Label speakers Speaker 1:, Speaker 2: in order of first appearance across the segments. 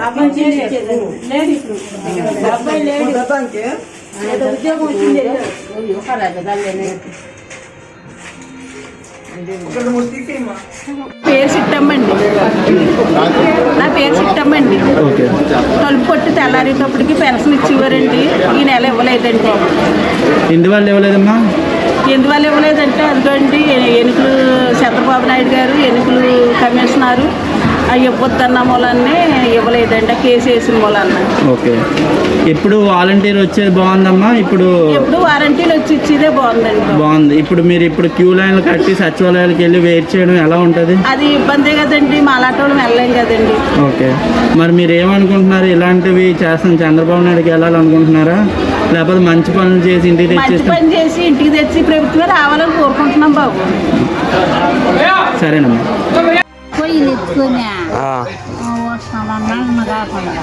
Speaker 1: పేరు సిట్టమ్మండి. నా పేరు సిట్టమ్మండి. తలుపు కొట్టి తెల్లారేటప్పటికి పెన్షన్ ఇచ్చేవారండి. ఈ నెల ఇవ్వలేదండి.
Speaker 2: ఎందువల్ల ఇవ్వలేదమ్మా?
Speaker 1: ఎందువల్ల ఇవ్వలేదంటే అదిగోండి ఎన్నికలు చంద్రబాబు నాయుడు గారు ఎన్నికలు కమిషనరు ఇవ్వద్దన్న మూలాన్ని ఇవ్వలేదండి. కేసు వేసిన మూలాన్ని.
Speaker 2: ఓకే. ఇప్పుడు వాలంటీర్ వచ్చేది బాగుందమ్మా? ఇప్పుడు
Speaker 1: వాలంటీర్లు వచ్చి ఇచ్చేదే బాగుందండి.
Speaker 2: బాగుంది. ఇప్పుడు మీరు క్యూ లైన్లు కట్టి సచివాలయాలకు వెళ్ళి వెయిట్ చేయడం ఎలా ఉంటుంది?
Speaker 1: అది ఇబ్బందే కదండి. మాలాంటి వాళ్ళు వెళ్ళలేం కదండి.
Speaker 2: ఓకే. మరి మీరు ఏమనుకుంటున్నారు? ఇలాంటివి చేస్తాం చంద్రబాబు నాయుడుకి వెళ్ళాలనుకుంటున్నారా, లేకపోతే మంచి పనులు చేసి ఇంటికి
Speaker 1: తెచ్చి ఇంటికి తెచ్చి ప్రభుత్వమే రావాలని కోరుకుంటున్నాం బాబు.
Speaker 2: సరేనమ్మా.
Speaker 3: పొయ్యిలు ఎత్తుకొని వస్తామన్నా కాకుండా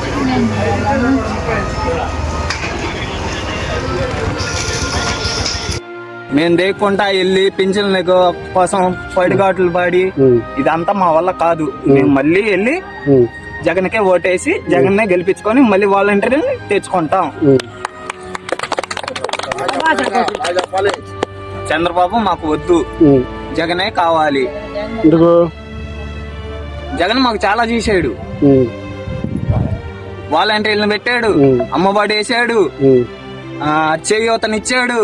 Speaker 4: మేము దేక్కుంటా వెళ్ళి పింఛన్ల కోసం పడిగాట్లు పడి ఇదంతా మా వల్ల కాదు. మేము మళ్ళీ వెళ్ళి జగన్కే ఓటేసి జగన్నే గెలిపించుకొని మళ్ళీ వాలంటీర్ని తెచ్చుకుంటాం. చంద్రబాబు మాకు వద్దు, జగనే కావాలి. జగన్ మాకు చాలా చేశాడు. వాలంటీర్లను పెట్టాడు, అమ్మఒడి వేసాడు, చేయూతనిచ్చాడు,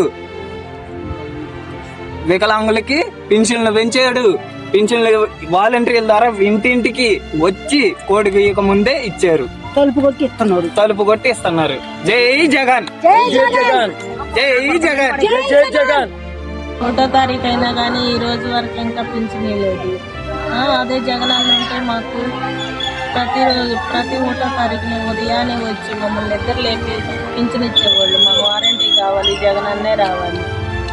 Speaker 4: వికలాంగులకి పింఛన్లు పెంచాడు. పింఛన్లు వాలంటీర్ల ద్వారా ఇంటింటికి వచ్చి కోడి గీయక ముందే ఇచ్చారు. తలుపు కొట్టి ఇస్తున్నారు. జై జగన్, జై జగన్, జై జగన్, జై జగన్.
Speaker 5: 1వ తారీఖు అయినా కానీ ఈ రోజు వరకు ఇంకా పింఛన్ లేదు. అదే జగన్ అంటే మాకు ప్రతి 1వ తారీఖుని ఉదయాన్నే వచ్చి మమ్మల్ని నిద్ర లేపి పింఛన్ ఇచ్చేవాళ్ళు. మాకు వారంటీ కావాలి, జగన్ అన్నే రావాలి.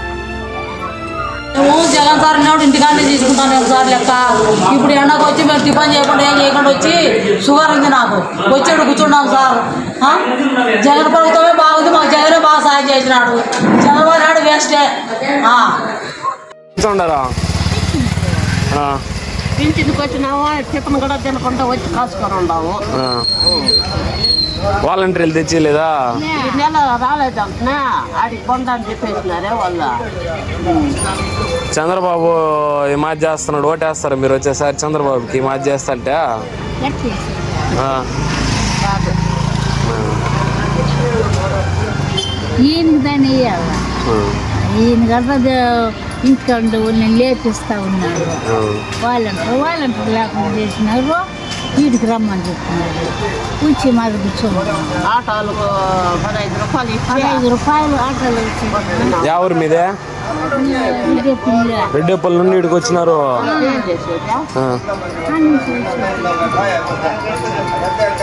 Speaker 6: మేము జగన్ సార్ ఉన్నాడు ఇంటికాడనే తీసుకుంటాను సార్ లెక్క. ఇప్పుడు ఎండకు వచ్చి మేము టిఫిన్ చేయకుండా ఏం చేయకుండా వచ్చి షుగర్ ఉంది నాకు, వచ్చాడు కూర్చున్నాం సార్. జగన్ ప్రభుత్వమే బాగుంది, మాకు జగనే బాగా సాయం చేసినాడు. చంద్రబాబు నాయుడు వేస్టే. పింఛన్కి వచ్చినాము, టిఫిన్ కూడా తినకుండా వచ్చి కాసుకొని ఉన్నాము.
Speaker 7: వాలంటీర్లు తెచ్చిలేదా?
Speaker 6: ఈ నెల రాలేదంటున్నా ఆడికి కొందని చెప్పేసినారే వాళ్ళు.
Speaker 7: చంద్రబాబు ఈ మాది చేస్తున్నాడు, ఓటేస్తారు మీరు వచ్చేసారి చంద్రబాబుకి ఈ మాది చేస్తాంటే?
Speaker 3: ఈయనకి దాన్ని ఇవ్వాలి. ఈయన కదా ఇంటికంటే నేను లేపిస్తా ఉన్నాడు. వాలంటీర్ లేకుండా చేసినారు. వీటికి రమ్మని చెప్తున్నారు. కూర్చి మాది కూర్చోమన్నారు.
Speaker 6: ఆటోలకు 15
Speaker 3: రూపాయలు ఆటోలు వచ్చి.
Speaker 7: ఎవరి మీదే? రెడ్డిపల్లి నుండి ఇక్కడికి వచ్చినారు.